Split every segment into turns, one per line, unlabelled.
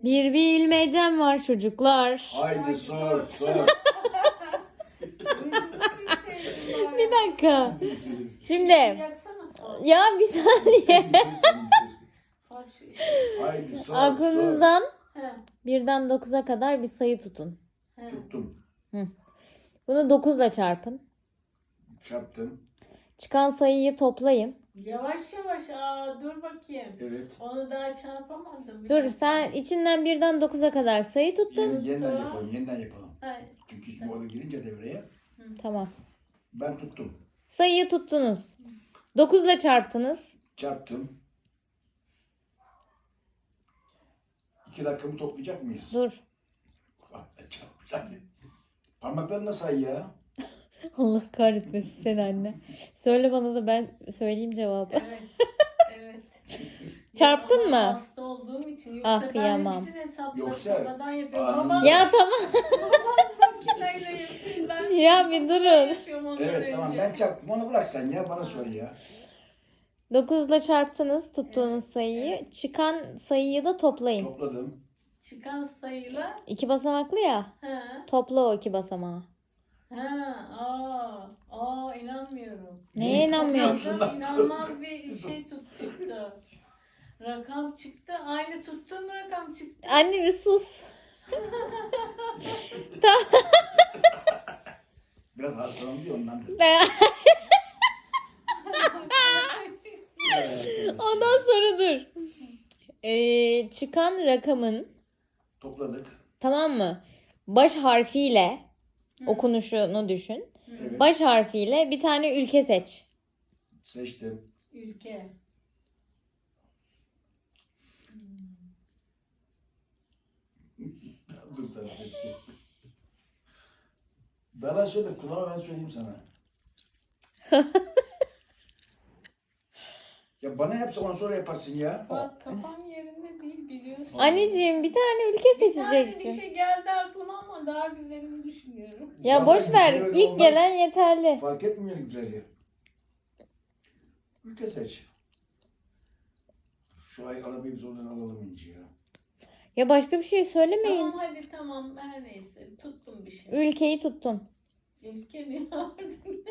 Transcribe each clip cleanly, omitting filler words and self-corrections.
Bir bilmecem var çocuklar.
Haydi sor sor.
Bir dakika. Şimdi
Yaksana.
ya bir saniye.
Haydi sor
Aklınızdan
He,
1'den 9'a kadar bir sayı tutun.
he.
sor. Tuttum.
Bunu 9 ile çarpın.
Çarptım.
Çıkan sayıyı toplayın.
Yavaş yavaş. Dur bakayım.
Evet.
Onu daha çarpamadım.
Dur sen içinden 1'den 9'a kadar sayı tuttun.
Yeniden yapalım. Yeniden yapalım.
He,
Çünkü şimdi orada girince devreye
Tamam.
ben tuttum.
Sayıyı tuttunuz. 9 ile çarptınız.
Çarptım. 2 rakamı toplayacak mıyız?
Dur.
Çarpacağım. Parmaklarını say ya.
Allah kahretmesin seni anne. Söyle bana da ben söyleyeyim cevabı.
evet. Evet.
Çarptın
Ya,
mı?
ama hasta olduğum için. Yoksa
Ah,
ben
kıyamam.
bütün hesapları
Yoksa-
sonradan yapıyorum.
Anladım.
Ama
Ya tamam.
makineyle yapayım ben.
Ya bir durun.
Yapıyorum ondan
Evet tamam
önce.
ben çarptım. Onu bırak sen ya. Bana sor ya.
9 ile çarptınız tuttuğunuz sayıyı.
evet.
Çıkan sayıyı da toplayın.
Topladım.
Çıkan sayıyla.
2 basamaklı ya.
He.
Topla o 2 basamağı.
İnanmıyorum.
Neye inanmıyorsun?
Şundan-
İnanılmaz bir şey çıktı. Rakam çıktı. Aynı tuttuğum rakam çıktı.
Anne bir sus.
Biraz hastalandı ya ondan.
Ondan sonra dur. Çıkan rakamın
Topladık.
tamam mı? Baş harfiyle okunuşunu düşün.
Evet.
Baş harfiyle bir tane ülke seç.
Seçtim.
Ülke.
Dur sen seçtim. Bana söyle. Kulağıma ben söyleyeyim sana. Ya bana yapsa ondan sonra yaparsın ya.
Bak kafam yerinde değil biliyorsun.
Anneciğim bir tane ülke
Bir tane bir
seçeceksin.
şey geldi aklıma ama daha güzelini düşünüyorum.
Ya
Ya
boş
ben
ver.
güzel
İlk
olmaz.
gelen yeterli.
Fark etmiyor güzelliği. Ülke seç. Şu ay arabayı biz oradan alalım İnci ya.
Ya başka bir şey söylemeyin.
Tamam hadi tamam her neyse tuttum bir şey.
Ülkeyi tuttun.
Ülke mi vardı?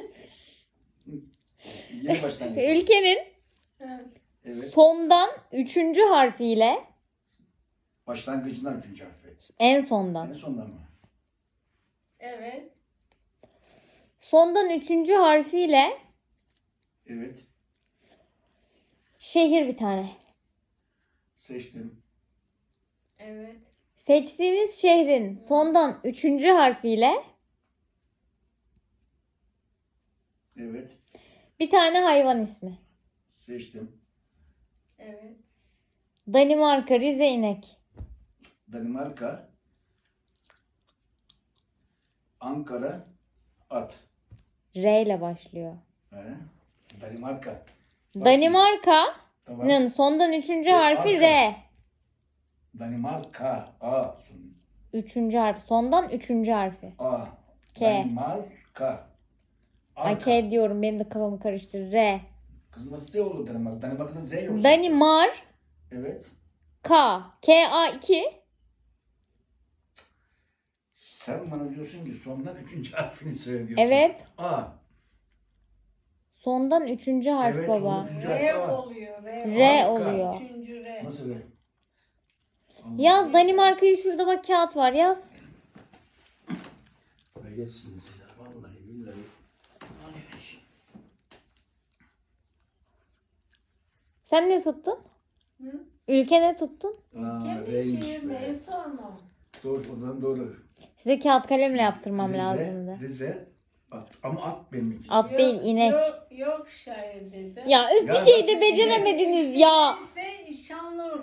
Yeni baştan yapalım.
Ülkenin
Evet.
sondan 3. harfiyle
Başlangıcından 3. harfi.
en sondan.
En sondan mı?
Evet.
Sondan 3. harfiyle
Evet.
şehir bir tane.
Seçtim.
Evet.
Seçtiğiniz şehrin sondan 3. harfiyle
Evet.
bir tane hayvan ismi.
Seçtim.
Evet.
Danimarka, Rize inek.
Danimarka. Ankara. At.
R ile başlıyor.
He. Danimarka. Bak
Danimarka'nın
şimdi, tamam.
sondan 3. harfi
arka.
R.
Danimarka. A.
3. harfi. Sondan 3. harfi.
A.
K.
Danimarka.
Ay
Arka.
K diyorum benim de kafamı karıştırır. R.
Kızım nasıl Z olur Danimarka? Danimarka'da Z yok.
Danimarka.
Evet.
K-A-2.
Sen bana diyorsun ki sondan 3. harfini söylüyorsun.
Evet.
A.
Sondan 3. harf
Evet,
baba.
sondan üçüncü
R
harf A.
oluyor.
R
Harika.
oluyor.
Üçüncü R.
Nasıl R?
Yaz Danimarka'yı şurada bak kağıt var yaz.
Ve geçsiniz ya. Vallahi billahi.
Sen ne tuttun?
Hı?
Ülke ne tuttun?
Aa,
Kim
R'ymiş
işi?
be.
Neyi sorma.
Doğru, o zaman doğru.
Size kağıt kalemle yaptırmam
Rize,
lazımdı.
Rize, at. Ama at benim için.
At değil inek.
Yok şair dedi.
Ya öf bir
Ya
şey
nasıl
de beceremediniz ya.
Neyse Şanlıurfa.